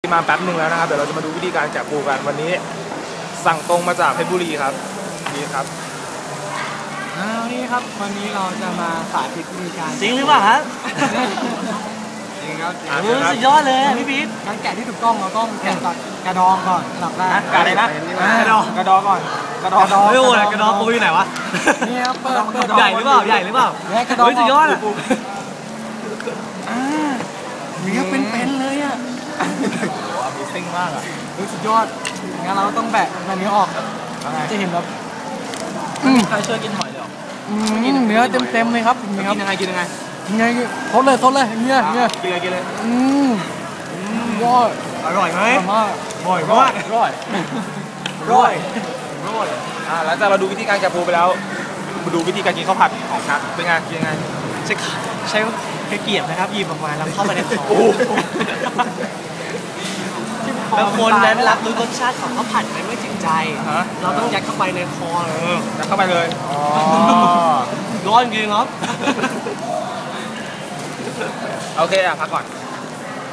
มาแป๊บหนึ่งแล้วนะครับเดี๋ยวเราจะมาดูวิธีการแกะปูกันวันนี้สั่งตรงมาจากเพชรบุรีครับนี่ครับนี่ครับวันนี้เราจะมาสาธิตวิธีการจริงหรือเปล่าครับจริงครับสุดยอดเลยพี่พีทการแกะที่ถูกต้องเราต้องแกะจากกระดองก่อนหลับแรกกะอะไรนะกระดองก่อนกระดองไม่โอ้ยกระดองปูอยู่ไหนวะนี่ครับเปิดใหญ่หรือเปล่าใหญ่หรือเปล่ากระดองสุดยอดอ่ะเนื้อเป็นๆเลยอ่ะมีซิ่งมากอ่ะสุดยอดงั้นเราต้องแบะแบบนี้ออกจะเห็นแบบใครช่วยกินหอยเลยหรอเนื้อเต็มเลยครับกินยังไงกินยังไงทดเลยเงี้ยกินเลยยอดอร่อยไหมมากร่อยหลังจากเราดูวิธีการแกะปูไปแล้วมาดูวิธีการกินข้าวผัดของชักเป็นไงกินยังไงใช้เกียบนะครับหยิบออกมาแล้วเข้าไปในคอแล้วคนนั้นรับรู้รสชาติของข้าวผัดไปไม่ถึงใจเราต้องยัดเข้าไปในคอยัดเข้าไปเลยร้อนจริงครับโอเคพักก่อน